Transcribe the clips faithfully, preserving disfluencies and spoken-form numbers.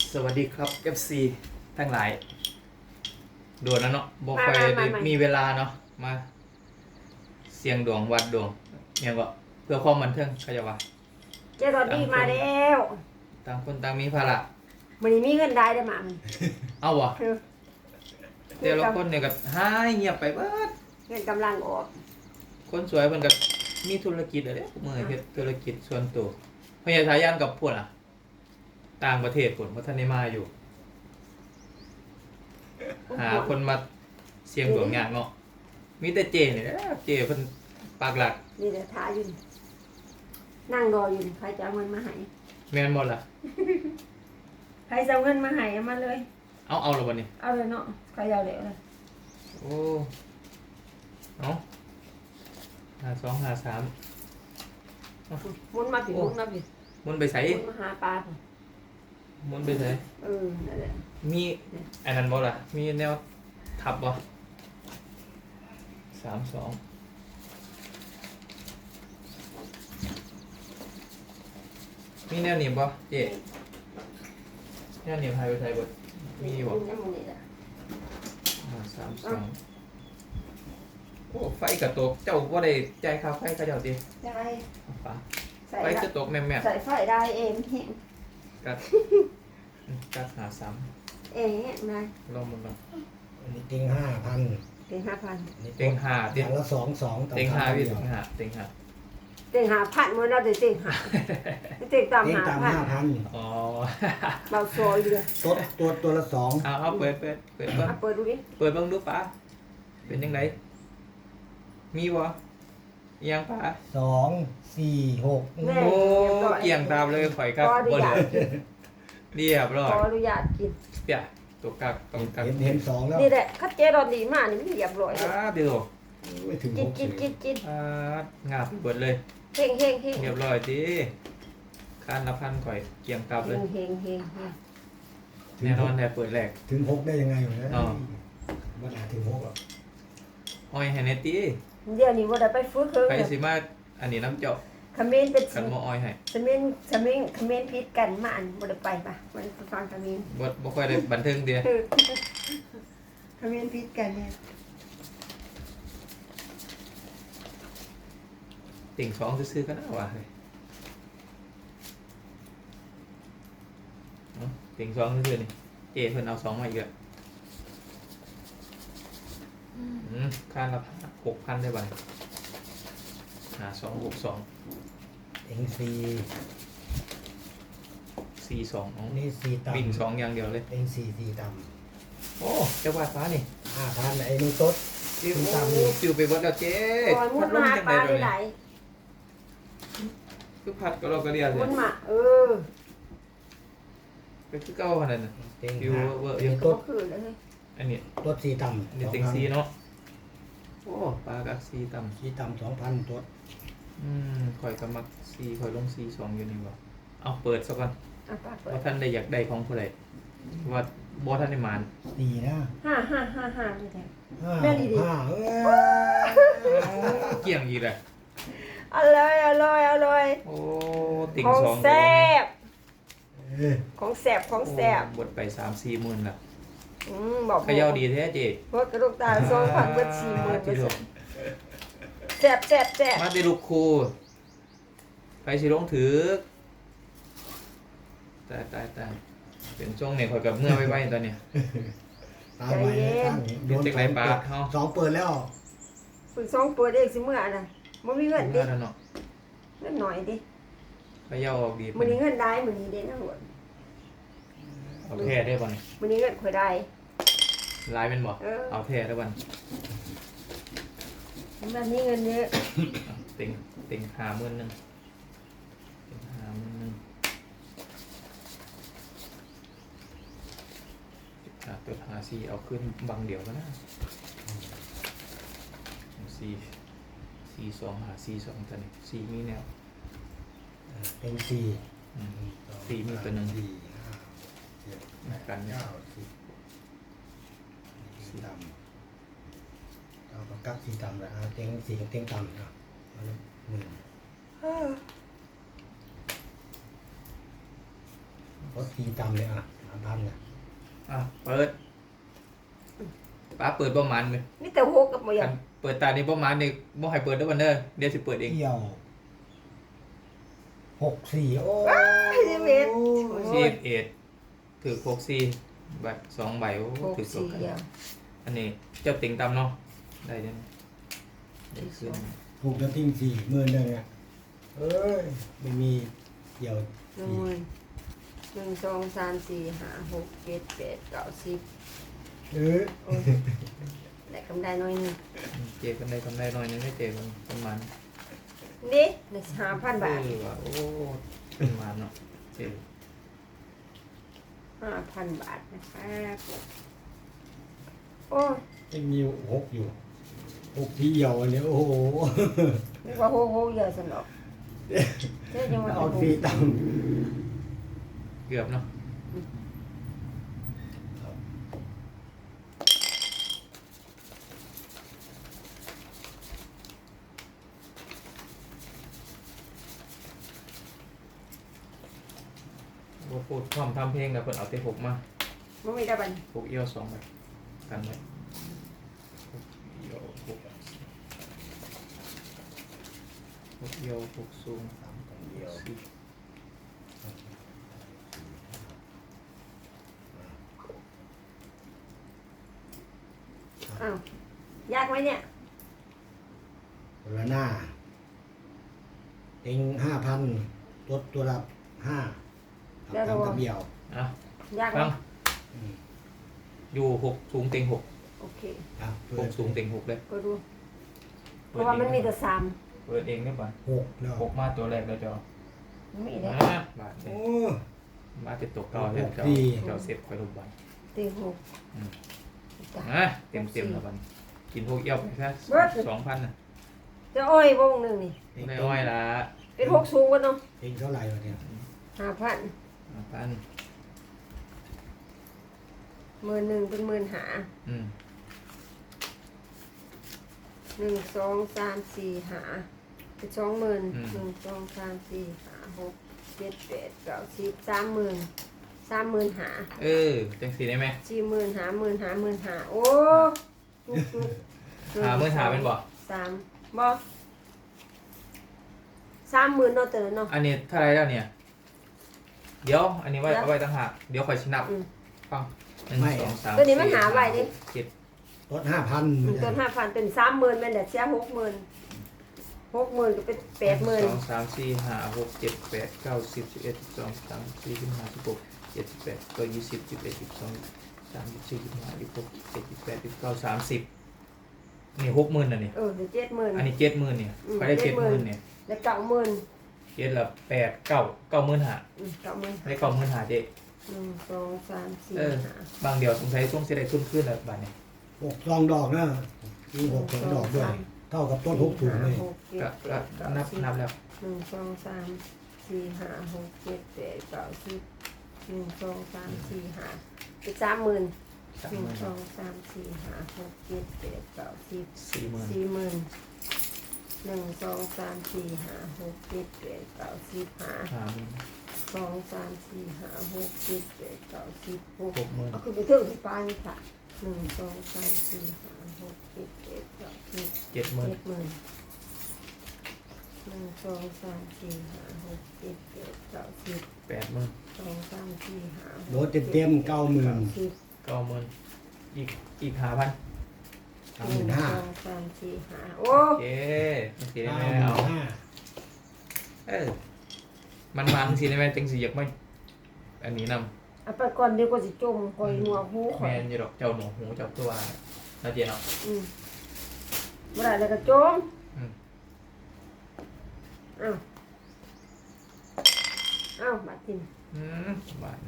สวัสดีครับ เอฟ ซี ทั้งหลายโดนแล้วเนาะบอกไปได้มีเวลาเนาะมาเสียงดวงวัดดวงเนี่ยก็เพื่อความบันเทิงเขาจะว่าเจ้าตอนนี้มาแล้วต่างคนต่างมีภาระมันนี้มีเงินได้ได้อมามันเอาวะคือแต่ละคนเนี่ยก็หายเงียบไปเบิดเงินกำลังออกคนสวยเพิ่นก็มีธุรกิจอะไรมือเฮ็ดธุรกิจส่วนตัวพญาทายันกับพวกอ่ะต่างประเทศผลพัฒนามาอยู่ หาคนมาเสียงดวงยากเนาะมีแต่เจนี่แหละเจเพิ่นปากหลักนี่เดี๋ยวท้าอยู่นี่นั่งรออยู่นี่ใครจะเอาเงินมาให้แม่นบ่ล่ะใครจะเอาเงินมาให้เอามาเลยเอาเอาและบ่นี่เอาเลยเนาะใครเอาเลยเอาเลยโอ้เอาหาสองหาสามหมุนมาผิดหมุนมาผิดมันไปใส่หมุนมาหาปลาพุ่นมันไปใส่เออนั่นแหละมีอันนั้นบ่ล่ะมีแนวทับบ่สามสองมีแนวหนีบบ่เจ๊แนวหนีบไทยไปไทยบ่มีบ่น้ำมันนี่แหละอ่าสามสองโอ้ไฟกระตกเจ้าว่าได้ใจายค่าไฟเขาเจ้าติได้ฟ้าใส่ไฟกระตกแม่แม่ใส่ไฟได้เองเห็นกัดกัดหาสามเองเห็นไหมลองมันลองอันนี้ติงห้าพันเป็นห้าพันเต็งห้าเต็เต็งงละสองสองเต็งห้าพี่เดีเต็ยวงห้าเต็งห้าเต็งหาพันมันเราจะเต็งหาเต็งตามเต็งหาตามพันห้าพันอ๋อเราซอยอยู่เลยตัวตัวตัวละสองเอาเอาเปิดเปิดเปิดเปิดอ่ะเปิดดูดิเปิดเบิ่งดูป้าเป็นยังไงมีบ่ยังป้าสองสี่หกแม่โอ้เกี่ยงตามเลยข่อยครับขออนุบ่เหญาลืตอเรียบร้อขยออนุญาตกินเปียตัวกักต้องกักเห็นเห็นสองแล้วนี่แหละคัดเจรอนดีมากนี่มันเรียบร้อยเลยอ่าเดี๋ยวไม่ถึงกิหนกกินกินกินอ่างาบเบิดเลยเฮงเฮงเฮงเรียบร้อยดิคานละพันข่อยเกี่ยงกลับเฮเลยงเฮงเฮงเฮงถึงแน่นหอนกแต่เปิดแรกถึงหกได้ยังไงอยู่นะอ๋อมันอาจถึงหกหรอกอ้อยให้แน่ติเดี๋ยวนี้ว่าได้ไปฟื้นคืนใครสิมาอันนี้น้ำเจาะคอมเมนต์เป็นกันบ่อ้อยให้คอมเมนต์คอมเมนต์คอมเมนต์พิษกันมาอันบ่ได้ไปปะบ่ได้ไปฟังคอมเมนต์บ่บ่ค่อยได้บันเทิงเดียเออคอมเมนต์พิษกันเนี่ยติ่งสองซื้อๆก็น่าว่าเฮ้ยเนาะติ่งสองซื้อๆนี่เจเพิ่นเอาสองมาอีกแล้วอืมค่าละหกพันได้บ่เนี่ยหาสองหกสองเต็งสี่สี่สองอ๋อนี่สี่ต่ำวิ่งสองอย่างเดียวเลยเต็งสี่สี่ต่โอ้เจ้าว่าฟ้านี่ำห้าพันไอ้นู่นต๊ดฟิวตามนี่ฟิวไปเบิดแล้วเจ๊ก่อนมุพัดดลมาม หาจังปไดลาเดี๋ยวไหลนี้คือพัดก็เราก็เรียนเลมุยดมาเออก็คือเก่าขนาดนั้นเต็งฟิวห้าเวอร์เต็งก็ต๊ดคือเลยอันนี้ต๊ดสี่ต่อันำนี้สองเต็งพันซีเนาะโอ้ปลากักซีต่ำสี่ต่ำสองพันต๊ดอืมข่อยก็มักซีข่อยลงซีสองอยู่นี่บ่เอาเปิดซะก่อนอ่ะปลาเปิดว่าท่านได้อยากได้ของผู้ใดว่าบ่ท่านได้หมานสี่นะห้าห้าห้าห้านี่แหละห้าแม่ดีดิห้าเอ้ยเกี่ยงอีกเลยอร่อยอร่อยอร่อยโอ้ติ่งของสองแซ่บเอ้ยของแซ่บของแซ่บโอ้บดไปสามสี่หมื่นละอืมบอกเขย่าดีแท้เจ๊เพราะกระดูกตาโซ่ผักเบิดสี่หมื่นที่เปอร์ถูเซ็กนต์แซ่บแซ่บแซ่บมาได้ลูกครูไปสิลงถือตายตายตายเป็นช่วงเนี่ยข่อยกับเมื่อไว้ไว้ตอนเนี้ยตามไว้นะตั้งโดนเด็กไรปลาเข้าสองเปิดแล้วฝึกสองเปิดเองสิเมื่อน่ะมันมีเงินดิเมื่อแล้วเนาะเงินหน่อยดิเขย่าออกดีมันนี้เงินได้มันนี้เด่นทั้งหมดเอาแท้ได้บ่เนี่ยมันนี้เงินข่อยได้ลายเป็นบ่เออเอาแท้ได้บ่มันนี้เงินเยอะติงติงหาหมื่นหนึ่งติงหาหมื่นหนึ่งอ่ะตัวหาซีเอาขึ้นบังเดียวก็ได้ซีซีสองหาซีสองตัวนี้ซีมีแนวเป็นสี่อืมซีมีตัวหนึ่งสี่ห้าเจ็ดแปดกันเนี่ยเก้าสิบสี่ต่ำเอาปากกัดสี่ต่ำเลยอ่ะเต็งสี่กับเต็งต่ำนะเอาเลยหนึ่งรถสี่ต่ำเลยอ่ะสามพันนะอ่ะเปิดป้าเปิดประมาณเลยนี่แต่หกกับบ่อยากเปิดตานี้ประมาณนี้บ่ให้เปิดด้วยวันเด้อเดี๋ยวสิเปิดเองเกี่ยวหกสี่โอ้สิบเอ็ดสิบเอ็ดถือหกสี่ใบสองใบโอ้หกถือสอสี่งกันเดียวอันนี้เจ้าติ่งตำเนาะได้เด้อได้ขึ้นถูกจะทิ้งสี่หมื่นเลยเนี่ยเอ้ยไม่มีเกี่ยวหนึ่งหมื่นหนึ่งสองสามสี่ห้าหกเจ็ดแปดเก้าสิบเออโอ้ยได้กำไรน้อยหนึงเจกันได้กำไรหน่อยนึงไม่เจกันประมาณนี่ได้ห้าพันบาทเออว่ะโอ้ประมาณเนาะเจห้าพันบาทนะครับโอ้ยยังมีหกอยู่หกที่เหี่ยวอันเนี้ยโอ้โหนึกว่าโหโหเยอะสนอกเจ๊ยังมาเอาเอาฟรีตังค์เกือบเนาะว่าพูดความทำเพลงกับคนเอาเตะหกมาไม่มีได้บันหกเอี้ยวสองใบกันไว้หกเอี้ยวหกหกเอี้ยวหกสูงสามคนเดียวสี่อ้าวยากไหมเนี่ยคนละหน้าเต็งห้าพันตัวตัวละห้าเอาตามกับเดี่ยวอ่ะยากไหมฟังอืมอยู่หกสูงเต็งหกโอเคอ่ะเปิหดกสูงเต็งหกเลยก็ดูเพราะว่ามันมีแต่สามเปิดเองได้ป่ะหกแล้วหกมาตัวแรกแล้วจอมันมีได้มาบาทโอ้มาติดตกต่อเลยจอดีจอเสร็จคอยลงบันตีหกอ่ะเต็มเต็มแล้วบันกินพวกเอี้ยวไปแค่สองพันน่ะจะอ้อยวงหนึ่งนี่เต็งไม่อ้อยละเป็นหกสูงกันเนาะเต็งเท่าไหร่วะเนี่ยห้าพันพันหมื่นหนึ่งเป็นหมื่นหาอืมหนึ่งสองสามสี่หาเป็นสองหมื่นหนึ่งสองสามสี่ห้าหกเจ็ดแปดเก้าสิบสามหมื่นสามหมื่นหาเออจังสีได้ไหมสี่หมื่นหาหมื่นหาหมื่นหาโอ้จุกจุกหาเมื่อหาเป็นบ่สามบ่สามหมื่นเนาะแต่ละเนาะอันนี้เท่าไรแล้วเนี่ย เดี๋ยว อันนี้ไว้เอาไว้ตั้งหากเดี๋ยวคอยชินับอืมฟังหนึ่งสองสามตัวนี้มันหาไว้ดิเจ็ดลดห้าพันอืมต้นห้าพันเป็นสามหมื่นแม่นแต่เสียหกหมื่นหกหมื่นก็เป็นแปดหมื่นสองสามสี่ห้าหกเจ็ดแปดเก้าสิบสิบเอ็ดสิบสองสิบสามสิบสี่สิบห้าสิบหกเจ็ดสิบแปดก็ยี่สิบสิบเอ็ดสิบสองสามสิบสี่สิบห้าสิบหกสิบเจ็ดสิบแปดสิบเก้าสามสิบนี่หกหมื่นนะเนี่ยเออเดี๋ยวเจ็ดหมื่นอันนี้เจ็ดหมื่นเนี่ยอืมไปได้เจ็เจ็ดดหหมื่มื่นนเนี่ยแล้วเก้าหมื่นเจ็ดละแปดเก้าเก้าหมื่นห้าอืมเก้าหมื่นได้เก้าหมื่นห้าเจ๊หนึ่งสองสามสี่เออห้าบางเดียวสงสัยช่วงเสียได้ทุนขึ้นแล้วบาทเนี่ยหกซองดอกนะมีหกซองดอกด้วย เท่ากับต้นหกถุงเลยหกเจ็ดก็แปก็ดเก้านับสิบนับแล้วหนึ่งสองสามสี่ห้าหกเจ็ดแปดเก้าสิบหนึ่งสองสามสี่ห้าเป็นสามหมื่นสามหนึ่หงมื่นสองสามสี่ห้าหกเจ็ดแปดเก้าสิบสี่หมื่นสี่หมื่นหนึ่งสองสามสี่ห้าหกเจ็ดแปดเก้าสิบห้าห้าหมื่นสองสามสี่ห้าหกเจ็ดแปดเก้าสิบหกหกหมื่นเอาคือไปเที่ยวที่ปลายนี่ค่ะหนึ่งสองสามสี่ห้าหกเจ็ดแปดเก้าสิบเจ็ดหมื่นเจ็ดหมื่นหนึ่งสองสามสี่ห้าหกเจ็ดแปดเก้าสิบแปดหมื่นสองสามสี่ห้าหกโดนเต็มๆเก้าหมื่นสิบเก้าหมื่นอีกอีกห้าพันสามหหมื่นึ่นงห้าสองสามสี่ห้าโอ้โอเคจังสีได้เก้าไหมหมื่เอานห้าเออมันมันสีได้ไหมจังสีอยากไม่อันนี้นำเอาไปก่อนเดี๋ยวก็สิจมคอยหัวหูคแมอยนอยู่ดอกเจ้าหนูหูเจ้าตัวน่าเจียเนาะอืมบ่ได้แล้วก็จมอืมอ้าวอ้าวบาดทินอืมบาท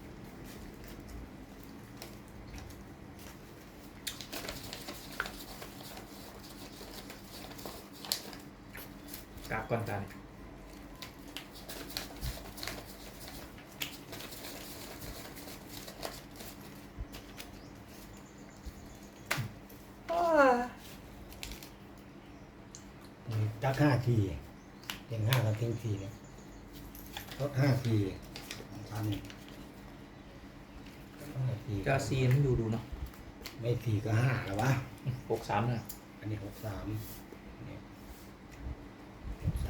กราบก่อนกันจักห้าทีเต็งห้ากับเต็งสี่เนี่ยลดห้าทีพันสี่ก็ซีนดูดูเนาะไม่สี่ก็ห้าแล้ววะหกสามเนี่ยอันนี้หกสามนี่หกสาม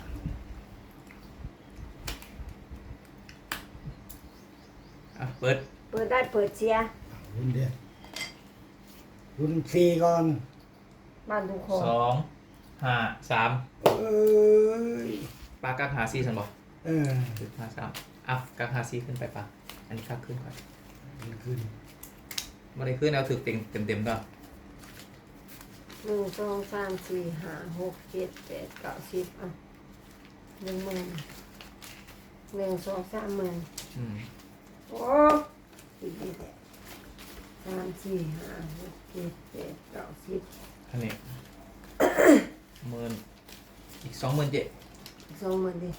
อ่ะเปิดเปิดได้เปิดเชียร์เอารุ่นเดียวรุ่นสี่ก่อนบ้านทุกคนสองห้าสามเอ้ยปลากักหาซีสันบอกเออคือห้าสามอ่ะกักหาซีขึ้นไปปลาอันนี้กักขึ้นก่อนมันขึ้นไม่ได้ขึ้นเอาถือเต็มเต็มเต็มๆก็หนึ่งสองสามสี่ห้าหกเจ็ดแปดเก้าสิบอ่ะหนึ่งหมื่นหนึ่งสองสามหมื่นอืมโอ้ดีดีแหละสามสี่ห้าหกเจ็ดแปดเก้าสิบอันนี้ หมื่นอีกสองหมื่นเจ็ดสองหมื่นดิ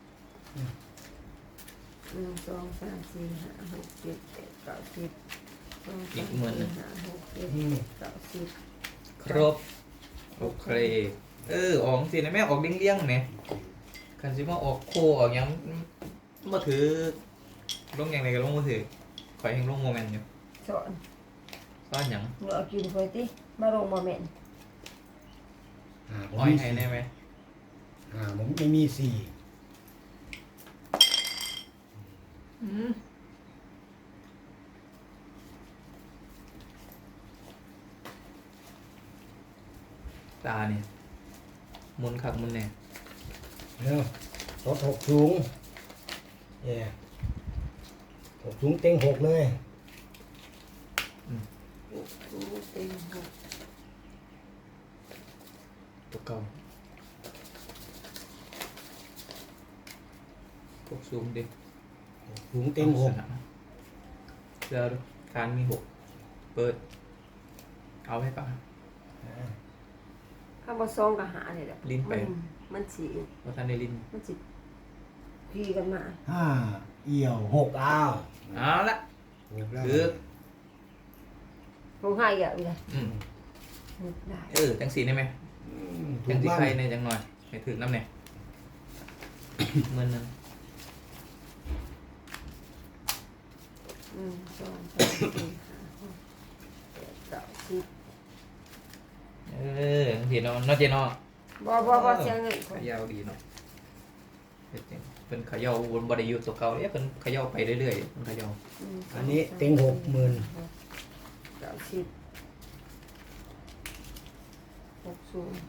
หนึ่งสองสามสี่ห้าหกเจ็ดแปดเก้าสิบสองสามสี่ห้าหกเจ็ดแปดเก้าสิบครบโอเคเออออกสินะแม่ออกเลี้ยงๆไหมคันซิมาออกโคออกหยังมาถือลงอย่างไรก็ลงมาถือคอยให้ลงโมเมนต์อยู่สอนซ่อนหยังเมื่อเอากินคอยติมาลงมาเมนอ่าผมอ้อยมีให้สี่ได้ไหมอ่าผมไม่มีสี่อืมตาเนี่ยหมุนคักหมุนเนี่ยเนาะรถหกสูงเย่หกสูงเต็งหกเลยเต็งหกตัวเก่าพวกซูมดิหกสูงเต็งหกเดี๋ยวดูการมีหกเปิด เอาให้ก่อนข้าวบะซองกับหาเนี่ยแหละลิ้นไปมันมันสีเพราะท่านได้ลินมันสิพีกันมาห้าเอี่ยวหกอ้าวเอาละหกแล้วคือคงให้เยอะเลยอืมนึกได้เออจังสีได้ไหมอืมถูจังกสีบ้างใครเนี่ยจังหน่อยให้ถึงน้ำเนี่ยเมื่อนึงหนึ่งสองสามสี่ห้าหกเจ็ดแปดเก้าสิบเออจังสีเนาะเนาะเจเนาะบ่บ่บ่เสียเงินคเขนย่าดีเนาะเฮ็ดจังเป็นเขย่าวนบไดอยู่ตัวเก่าเอ๊ะเป็นเขย่าไปเรื่อยๆเป็นเขย่าหงสอันนี้เต็งหกหมื่นเก้าสิบหกสูง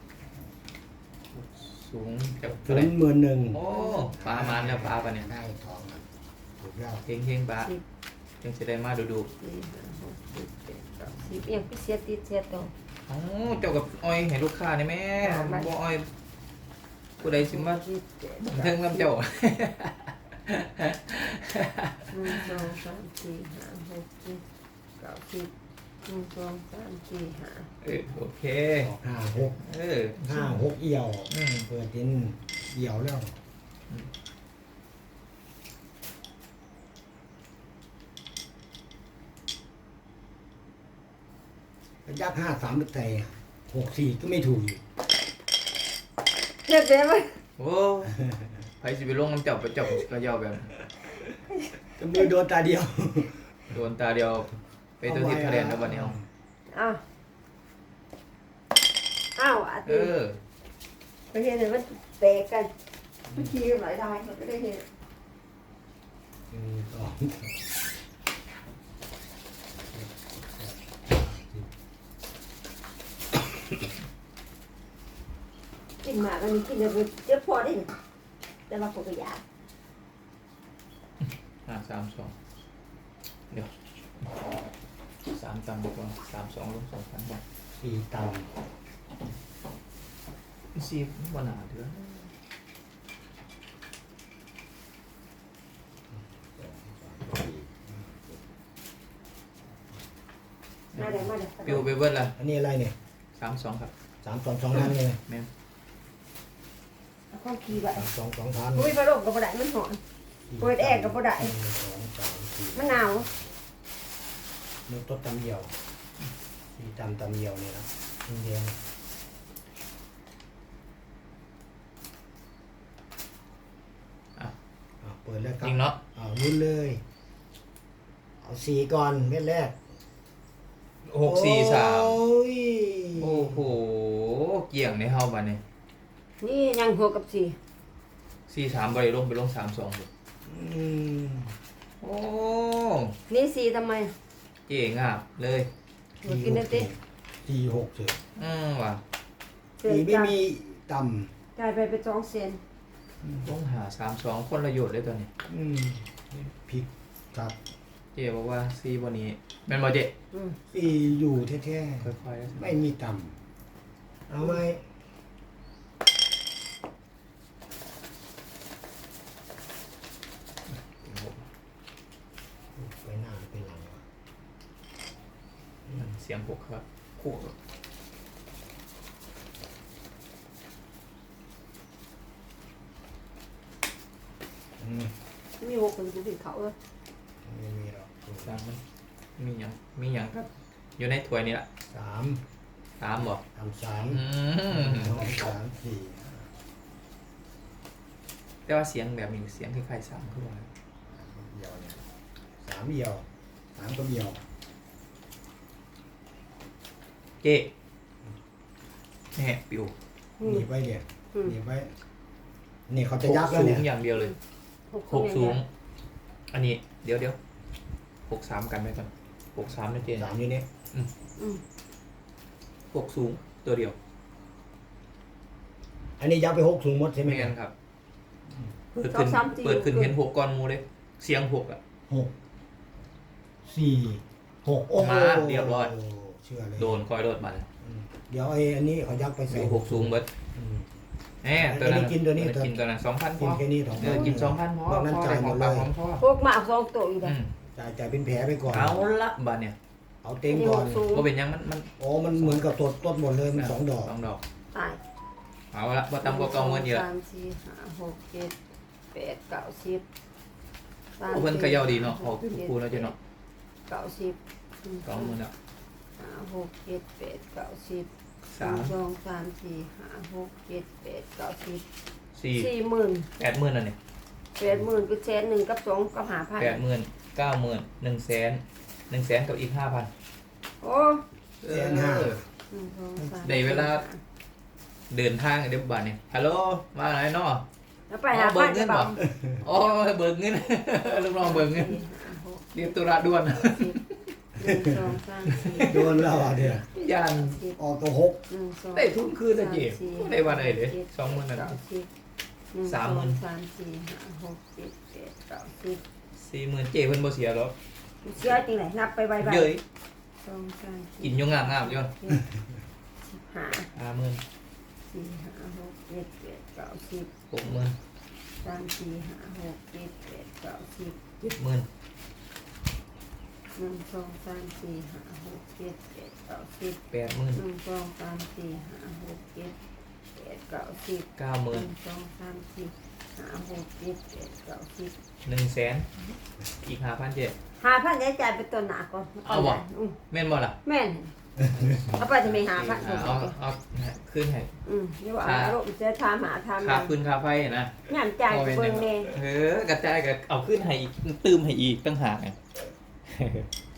สูงจากศูเท่าไหร่นย์หมื่นหนึ่งโอ้ปลามันแล้วปลาปะเนี่ยได้ทองอ่ะถูกแล้วเฮงเฮงปลาสิบจังสิได้มาดูดูสี่ห้าหกเจ็ดแปดเก้าสิบเอียงไปเสียติดเสียตรงๆอ๋อเจ้ากับอ้อยให้ลูกค้านี่แม่บ่อ้อยผู้ใดสิมาสิบเจ็ดเทิงน้ำเจ้าหนึ่งสองสามสี่ห้าหกเจ็ดเก้าสิบหนึ่งสองสามสี่ห้าเออโอเคออกห้าหกเออห้าหกเอี่ยวอืมเปิดดินเอี่ยวแล้วยักษ์ห้าสามแต่หกสี่ก็ไม่ถูกอีกเรียบร้อยไหมโอ้ไผสิไปลงน้ำเจ้าไปเจ้าก็เย่าแบบนั้นจะมือโดนตาเดียวโดนตาเดียวไปตัวทิศคะแนนแล้วบัดนี้เอาอ้าวอ้าวอาเอทิตย์อไปเห็นเลยมันแตกกันเมื่อกี้หลายได้มันก็ได้เห็นหนึ่งสองกินหมากอันนี้กินเลยเจ็บพอได้แต่ว่าผมก็อยากห้าสามสองเดี๋ยวสามตังค์ดีกว่าสามสองลงสองพันบาทสี่ตซีบนาเถื่อมาเดี๋ยวมาเดี๋ยวปิวไปเบิดละำอันนี้อะไรเนี่ยสามสองครับสามสองสองพันเลยแม่นเอาข้าวขี้ไปสามสองสองพันอุ้ยปลาโลกกับปลาไหลมันหอน เปิดแอร์ก็บ่ได้หนึ่งสองสามสี่มันหนาวมือต้นตำเหี่ยวสี่ตำตำเหี่ยวนี่นะเดียวอ่ะอ่ะเปิดแล้วครับจริงเนาะอ้าวรุ่นเลยเอาสี่ก่อนเม็ดแรกหกสี่สามโอ้ยโอ้โหเกี่ยงในเฮาบัดนี้นี่ยังหกกับสี่สี่สามบริลงไปลงสามสองเลยอืมโอ้นี่สี่ทำไมเจ๋งอ่ะเลยหมดกินได้ติสี่หกเถอะอืมว่ะเสร็จสี่ไม่จากมีต่จ่ายไปเป็นสองเซนต้องหาสามสองคนละโยชน์เลยตัวนี้ำอืมพริกครับเจ๊บอกว่าซีวันนี้แม่นบอเจ๊อืมสี่อยู่แท้ค่อยๆๆไม่มีต่ำเอาไหมไปหน้าไปหลังวะเสียงหกครับคู่อืมมีหกคนกูผิดเขาเลยไม่มีหรอกสามมันมีอย่างมีอย่างครับ อยู่ในถ้วยนี่แหละสามสามบ่ทำสามอืมสองสามสี่แต่ว่าเสียงแบบนี้เสียงคล้ายๆสามขึ้นมาเดียวเนี่ยสามเดียวสามก็เดียวเจ๊แหม่ปิวอืมหนีบไว้เดี๋ยวอืมหนีบไว้นี่เขาจะหยักบแล้วสูเนี่งยอย่างเดียวเลยหกหกสูสูงง อันนี้เดี๋ยวเดี๋ยวหกสามกันไปก่อนหกสามนะเจ๊สามอยู่นี่อืมหกสูงตัวเดียวอันนี้ยับไปหกสูงหมดใช่ไหมไม่ครังั้บนครับ เปิดขึ้นเปิดขึ้นเห็นหกก้อนหมูเลย เสียงหกอ่ะหกสี่หกโอ้โหมาเรียบร้อยเชื่อเลยโดนคอยโดดมันอืมเดี๋ยวไอ้อันนี้เขายับไปอใส่ยู่หกสูงเบิดอืมแหมตัวนั้นอันนี้กินตัวนี้กินตัวนั้นสองพันพกิอนแค่นี้สองเออกินสองพันพอนอกนั้นพอจ่ายหมดเลยของพ่อหกมาเอาสองตัวอีกเลอืยมจ่ายจ่ายเป็นแผลไปก่อนเอาละบาเนี่ยเอาเต็งก่อนนี่หกสูงก็เป็นยังมันมันโอ้มันเหมือนกับตดต้นหมดเลยมันสองดอกสองดอกตายเอาละว่าตำกว่าเก่าเงินเยอะสามสี่ห้าหกเจ็ดแปดเก้าสิบสามโอ้เพิ่นเขย่าดีเนาะสี่ออกเป็นคู่แล้วเจ้าเนาะเก้าสิบสองหมื่นละห้าหกเจ็ดแปดเก้าสิบสามหนึ่งสองสามสี่ห้าหกเจ็ดแปดเก้าสิบสี่สี่หมื่นแปดหมื่นอันนี้แปดหมื่นก็แสนหนึ่งกับสองกับหาพันแปดหมื่นเก้าหมื่นหนึ่งแสนหนึ่งแสนกับอีกห้าพันโอ้แสนห้าหนึ่งสองสามได้เวลา เดินทางเดี๋ยวบาทนี่ฮัลโหลมาไหนเนาะแล้วไปหาพันจะบอกโอ้ยเบิกเงิน ลูกน้องเบิกเงินสี่ห้าหกเรียบตุระด่วนสิบหนึ่งสองสามสี่โดนแล้วอ่ะเนี่ยยันสิบออกตัวหกหนึ่งสองได้ทุนคืนนะเจ๊ได้วันไหนเด้สองหมื่นนั่นเก้าสิบหนึ่งสามหมื่นองสามสี่ห้าหกเจ็ดแปดเก้าสิบสี่หมื่นเจ๊เพิ่นบ่เสียหรอกเสียจริงไหนนับไปใบใบเย้ยสองสามกิสี่นอยงงามงามๆอยู่สิบห้าห้าหมื่นสี่ห้าหกเจ็ดแปดเก้าสิบหกหมื่นสามสี่ห้าหกเจ็ดแปดเก้าสิบเจ็ดหมื่นหนึ่งสองสามสี่ห้าหกเจ็ดแปดเก้าสิบแปดหมื่นหนึ่งสองสามสี่ห้าหกเจ็ดแปดเก้าสิบเก้าหหมื่นนึ่งสองสามสี่ห้าหกเจ็ดแปดเก้าสิบหนึ่งแสนอีกห้าพันเจ๊หาพันได้จ่ายไปตัวหนาก่อนเอาบ่อืมแม่นบ่ล่ะแม่นเอาไปจะไม่หาพันเอาเอาเอาขึ้นให้อืมเดี๋ยวว่าเอาลูกจะทำหาทำค่าพื้นค่าไฟนะงานจ่ายเบิ่งแน่เออกระจายกับเอาขึ้นให้อีกตื้มให้อีกตั้งหากไง